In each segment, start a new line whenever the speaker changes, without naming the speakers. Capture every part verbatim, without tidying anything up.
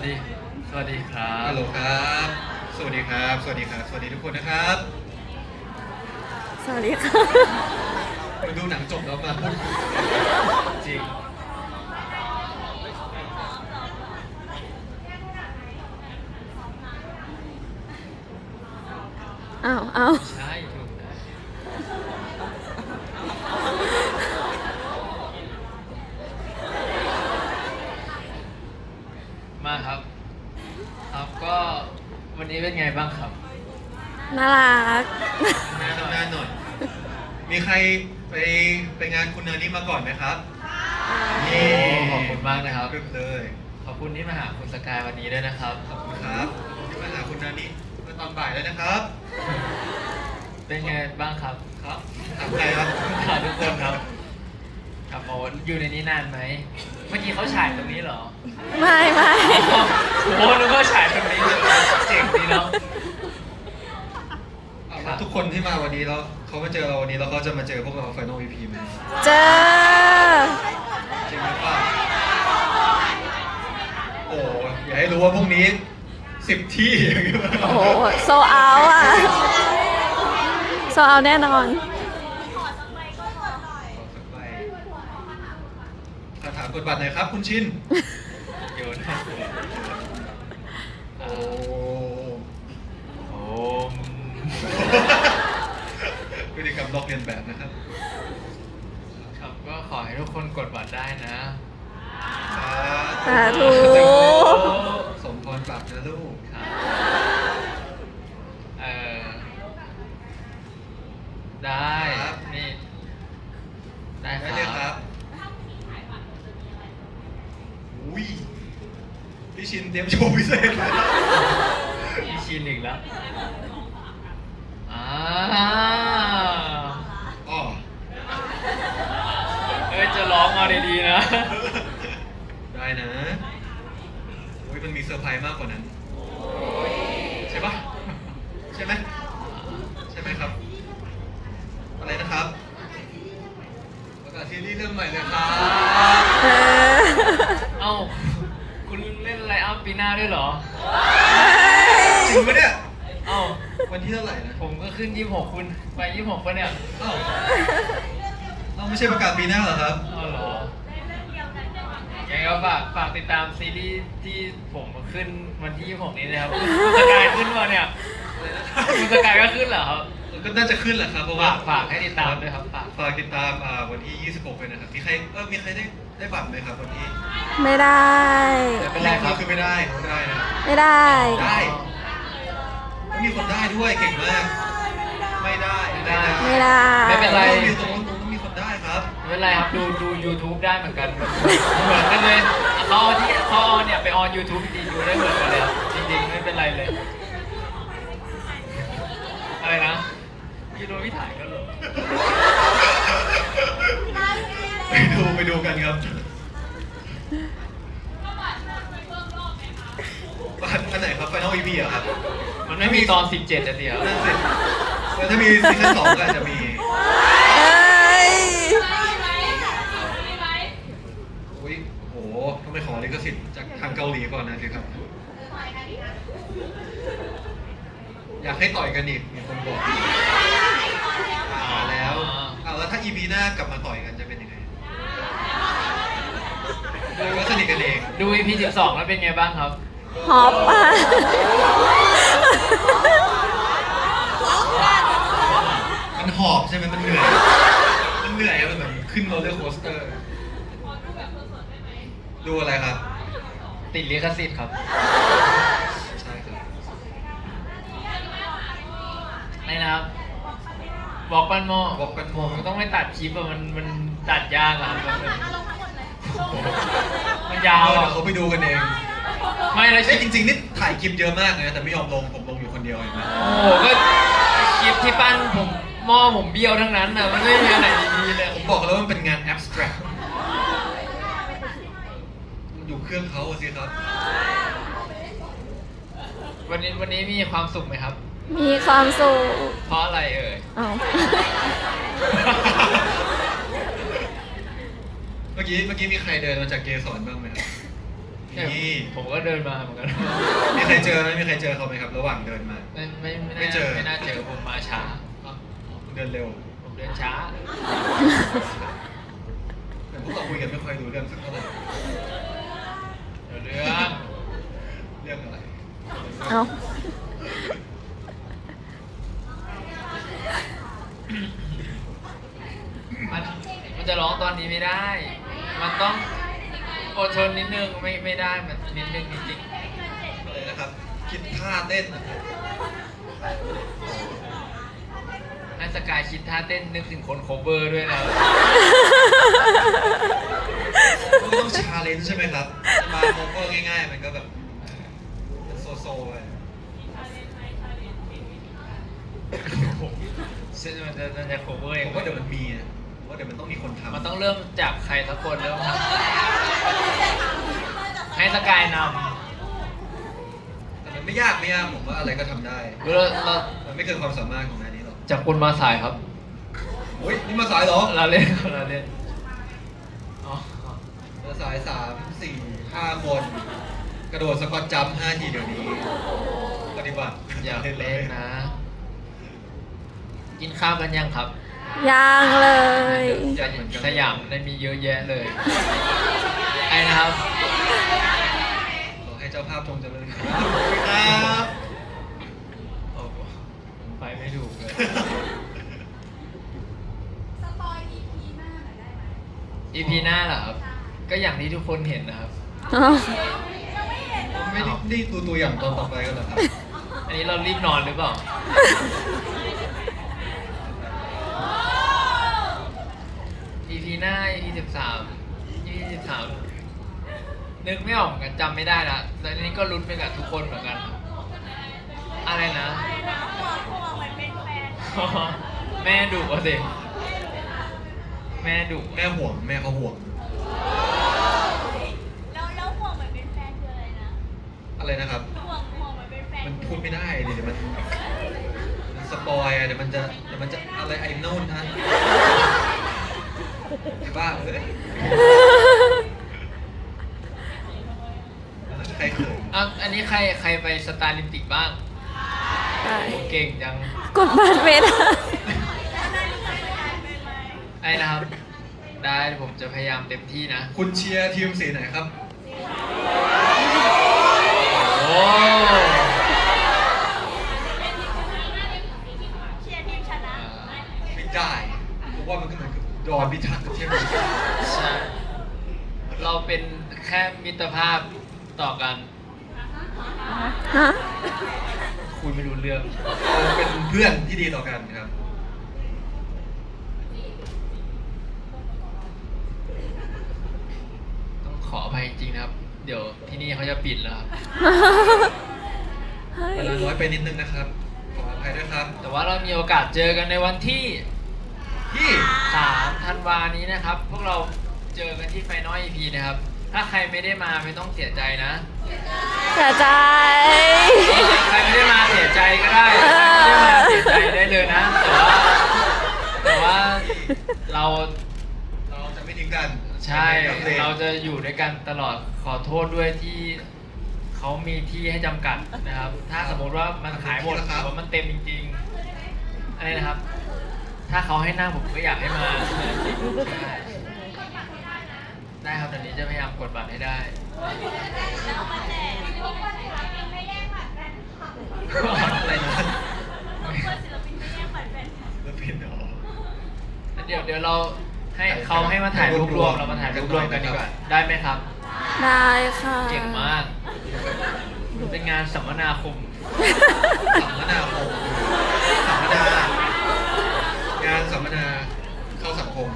ดีสวัสดีครับ
ฮัลโหลครับสวัสดีครับสวัสดีครับสวัสดีทุกคนนะครับ
สวัสดีค่ะ
มาดูหนังจบแล้วมาพูด
จริง
อ้าวอ้าว
ใช่ถูกนะมาครับครับก็วันนี้เป็นไงบ้างครับ
น่ารัก
นานนานหน่อยมีใครไปไปงานคุณนานี้มาก่อนไหมครับ
นี่ขอบคุณมากนะครับ
ขึ้นเลย
ขอบคุณที่มาหาคุณสกายวันนี้ด้วยนะครับ
ขอบคุณครับที่มาหาคุณนานี้เมื่อตอนบ่ายแล้วนะครับ
เป็นไงบ้างครับ
ครับถามใครครับ
ถามทุกคนครับครับโอ้อยู่ในนี้นานไหมเมื่อกี้เขาฉายตรงนี้เหรอ
ไม่ไม่
โอ้นึกว่าฉายตรงนี้เลยเจ๋งดีเนาะ
ทุกคนที่มาวันนี้แล้วเขามาเจอเราวันนี้แล้วเขาจะมาเจอพวกเรา Final อี พี ไหม
เจอ
จริงหรือเปล่าโอ้อย่าให้รู้ว่าพวกนี้สิบที่
โอ้โซเอาอ่ะโซเอาแน่นอน
คาถากดบัตรหน่อยครับคุณชิน
โยน
โอ้
โอ้
พฤติกรรมลอกเลียนแบบนะครับ
ครับก็ขอให้ทุกคนกดบัตรได้นะ
สาธุ
สมพรปากนะลูก
เออได้นี่ได้
เลยครับอุ้ยพี่ชินเตรียมโชว์พิเศษ
พี่ชินอีกแล้วอ่า
อ๋อ
เอ้ยจะร้องมาดีๆนะ
ได้นะอุ้ยมันมีเซอร์ไพรส์มากกว่านั้นใช่ปะใช่ไหมใช่ไหมครับอะไรนะครับประกาศซีรีส์เรื่องใหม่เลยครับ
เอ้าคุณเล่นไลน์อัพปีหน้าด้วยเหรอ
จริงปะเนี่ย
เอ้า
วันที่เท่าไหร่นะ
ผมก็ขึ้นยี่สิบหกคุณไปยี่สิบหกปะเนี่ย
เอ้าเอ้าไม่ใช่ประกาศปีหน้าเหรอครับ
เอ้าเหรอยังไงก็ฝากฝากติดตามซีรีส์ที่ผมขึ้นวันที่ยี่สิบหกนี้นะครับคุณสกายขึ้นมาเนี่ยคุณสกายก็ขึ้นเหรอครับ
ก็น่าจะขึ้นแหละครับเพราะว่า
ฝากให้ติดตามด้วยครับฝาก
ฝากติดตามวันที่ยี่สิบหกเลยนะครับมีใครเออมีใครได้ได้บัตรไหมครับวันที่
ไม่ได้
ไม่เป็นไรครับคือไม่ได้ไม่ได้นะ
ไม่ได้
ได้ไม่มีคนได้ด้วยเก่งมากไม่ได้
ไม่ได้
ไม่ได้
ไม่เป็นไร
ตรงนู้นตรงนู้นมีคนได้ครับ
ไม่เป็นไรครับดูดู YouTube ได้เหมือนกันเหมือนกันเลยเขาที่เขาเนี่ยไปออน YouTube ดีดูได้เหมือนกันเลยจริงๆไม่เป็นไรเลยอะไรนะพี่โดนพี่ถ่ายกันเหรอ
ไปดูไปดูกันครับอันไหนครับ Final อี พี อ่ะครับ
มันไม่มีตอนสิบเจ็ดอ่ะสิครับ
นั่นสิแล้วถ้ามีซีซั่นสองก็อาจจะมีอุ้ยโหต้องไปขอลิขสิทธิ์จากทางเกาหลีก่อนนะสิครับอยากให้ต่อยกันอีกมีคนบอกมาแล้วเอาแล้วถ้า อี พี หน้ากลับมาต่อยกันจะเป็นยังไงดูว่าสนิทกันเอง
ดู อี พี สิบสองแล้วเป็นไงบ้างครับ
ฮอปอ่ะ
มันหอบใช่ไหมมันเหนื่อยมันเหนื่อยมันเหมือนขึ้นโรลเลอร์โคสเตอร์ดูอะไรครับ
ติดลิขสิทธิ์ครับ
ใช่ครับ
ไม่นะครับบอกปันโม
บอกปันโม
มันต้องไม่ตัดคลิปอะมันมันตัดยากอะมันยาว
อะเขาไปดูกันเอง
ไม่แล้ว
จริงๆนี่ถ่ายคลิปเยอะมากนะแต่ไม่ยอมลงผมลงอยู่คนเดียวเองนะ
โอ้โหก็คลิปที่ปั้นผมหม้อผมเบี้ยวทั้งนั้นนะมันไม่มีอะไรดีๆเลย
ผมบอกแล้วมันเป็นงานแอบสแตรกมันอยู่เครื่องเขาสิครับ
วันนี้วันนี้มีความสุขไหมครับ
มีความสุข
เพราะอะไรเอ่ย
อ้าว
เมื่อกี้เมื่อกี้มีใครเดินมาจากเกสรบ้างไหมครับมีนี่
ผมก็เดินมาเหมือนกัน
มีใครเจอไหมมีใครเจอเขาไหมครับ ระหว่างเดินมา
ไม่ไม่ไม่
ไม่
น่า
เจอ
ไม่น่าเจอผมมาช้า
อ๋อเดินเร็ว
ผมเดินช้า
แต่พวกเราคุยกันไม่ค่อยรู้เรื่องสักเท่าไหร่
เดี๋ยวเรื่อง
เรื่องอะไร
เอา
มันมันจะร้องตอนนี้ไม่ได้ มันต้องอดทนนิดนึงไม่ไม่ได้มันนิดนึงจริง
อะไรนะครับ คิดท่าเต้น
ๆให้สกายคิดท่าเต้นนึกถึงคนโคเวอร์ด้วยนะ
มันก็ต้องชาเลนจ์ใช่ไหมครับจะมาโมก็ง่ายๆ มันก็แบบเป็นโซโซไป
ซึ่งมันจะมันจะโคเวอร์เอ
ผ
ง
มว่าเดี๋ยวมันมีนะผมว่าเดี๋ยวมันต้องมีคนทำ
มันต้องเริ่มจากใครสักคนเริ่มทำให้สกายน
แต่มันไม่ยากไม่ยากผมว่าอะไรก็ทำได้
ำเราเรา
มันไม่เกินความสามารถของนายนี้หรอก
จากคนมาสายครับ
โอ้ยนี่มาสายเหรอ
เราเล่นเราเล่นอ๋อ
มาสายสามสี่ห้าคนกระโดดสควอตจัมป์ห้าทีเดี๋ยวนี้ปฏิบัติ
อยากเล่นนะ กินข้าวกันยังครับ
ยังเลย
อยากเหมือนกัน
สยามได้มีเยอะแยะเลย ไอ้นะครับ
ขอให้เจ้าภาพจงเจริญครับ
โอ้โหผมไปไม่ถูกเลย อี พี หน้าเหรอครับ ก็อย่างที่ทุกคนเห็นนะครับ
เอา
ไม่ได้นี่ตัวตัวอย่างตอนต่อไปกันเหรอครับ
อันนี้เรารีบนอนหรือเปล่า อี พี หน้า อี พี สิบสาม อี พี สิบสาม นึกไม่ออกเหมือนกันจำไม่ได้ละแต่อันนี้ก็ลุ้นไปกับทุกคนเหมือนกัน อะไรนะ แม่ดุอ่ะสิแม่ดุ
แม่ห่วงแม่เขาห่วง
แล้วแล้วห่วงเหมือนเป็นแฟนคืออะไรนะ
อะไรนะครับ
ห่วงห่วงเหมือนเป็นแฟน
มันพูดไม่ได้ดิเดี๋ยวมันมันสปอยอะเดี๋ยวมันจะเดี๋ยวมันจะอะไรไอ้โน่นนะไอ้บ้าเอ้ยใครเขิน
อ่ะอันนี้ใครใครไปสตาร์ลิมปิกบ้าง
ได้
โอ้เก่งจัง
กดบัตรไม่ได้
ไอ้นะครับ ได้ผมจะพยายามเต็มที่นะ
คุณเชียร์ทีมสีไหนครับ
โอ้
เชียร์ทีมชนะ
ไม่ได้เพราะว่ามันก็เหมือนกับดอนพิทักษ์กับเทียบกัน
ใช่ เราเป็นแค่มิตรภาพต่อกัน
ฮะ
คุยไม่รู้เรื่อง
เราเป็นเพื่อนที่ดีต่อกันครับ
ต้องขออภัยจริงๆนะครับ เดี๋ยวที่นี่เขาจะปิดแล้วครับ
เฮ้ย
เวลาน้อยไปนิดนึงนะครับ ขออภัยด้วยครับ
แต่ว่าเรามีโอกาสเจอกันในวันที่
ที่
สามธันวานี้นะครับ พวกเราเจอกันที่ไฟนอล อี พี นะครับ ถ้าใครไม่ได้มาไม่ต้องเสียใจนะ
เสียใจ
ใครไม่ได้มาเสียใจก็ได้ใครไม่ได้มาเสียใจได้เลยนะ แต่ว่าแต่ว่าเรา
เราจะไม่ทิ้งกัน
ใช่
กับเพลง
เราจะอยู่ด้วยกันตลอด ขอโทษด้วยที่เขามีที่ให้จำกัดนะครับ ถ้าสมมติว่ามันขายหมดหรือว่ามันเต็มจริงๆ อะไรนะครับ ถ้าเขาให้นั่งผมก็อยากให้มาใช่ได้ครับเดี๋ยวนี้จะพยายามกดบัตรให้ได้
แล้วมาแจกทุกคนศิลปินไม่แย่งบัตรแฟนคลับ
อะไรนะ
ทุกคนศิลปินไม่แย่งบัตรแฟนคลับ
แล้วผิดเหรอ
เดี๋ยวเดี๋ยวเราให้เขาให้มาถ่ายรูปรวมเรามาถ่ายรูปรวมกันดีกว่า ได้ไหมครับ
ได้ค่ะ
เก่งมาก เป็นงานสัมมนาคม
สัมมนาคมสัมมนางานสัมมนาเข้าสังคม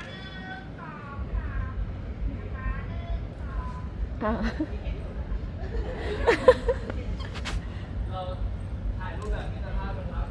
ค่ะ
เราถ่ายรูปแบบมิตรภาพกันครับ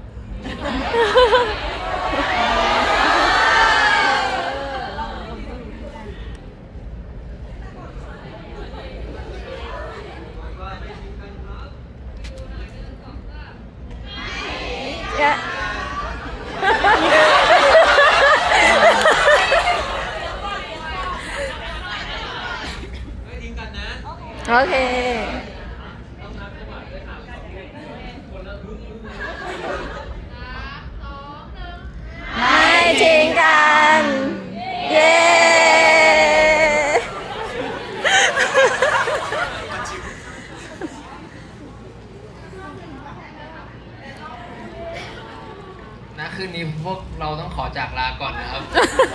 ยิงกันนะ
โอเค ไม่ทิ้งกัน เย้
นะคืนนี้พวกเราต้องขอจากลาก่อนนะครับ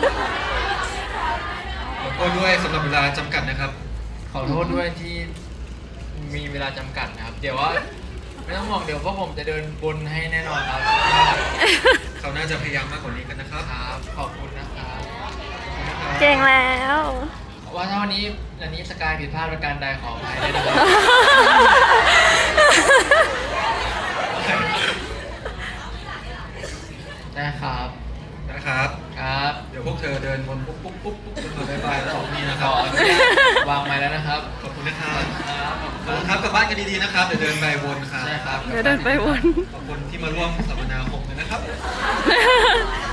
ขอโทษด้วยสำหรับเวลาจำกัดนะครับ
ขอโทษด้วยที่มีเวลาจำกัดนะครับ เดี๋ยวว่าไม่ต้องห่วงเดี๋ยวพวกผมจะเดินบนให้แน่นอนครับ
เขาน่าจะพยายามมากกว่านี้กันนะครับ
ครับ ขอบคุณนะครับ
เก่งแล้ว
ว่าถ้าวันนี้อันนี้สกายผิดพลาดประการใดขออภัยด้วยนะครับ ได้ครับ
นะครับ
ครับ
เดี๋ยวพวกเธอเดินวนปุ๊บปุ๊บปุ๊บปุ๊บจนถึงบายบายแล้วออกนี่นะค
ข
รับ
ออนุญาตวางไม้แล้วนะครับ
ขอบคุณนะครับ
ครับ
ขอบคุณครับกลับบ้านกันดีๆนะครับ เดี๋ยวเดินไปวนครับ
ใช่ครับ
เดี๋ยวเดินไปวน
ขอบคุณที่มาร่วมสัมมนาหกเลยนะครับ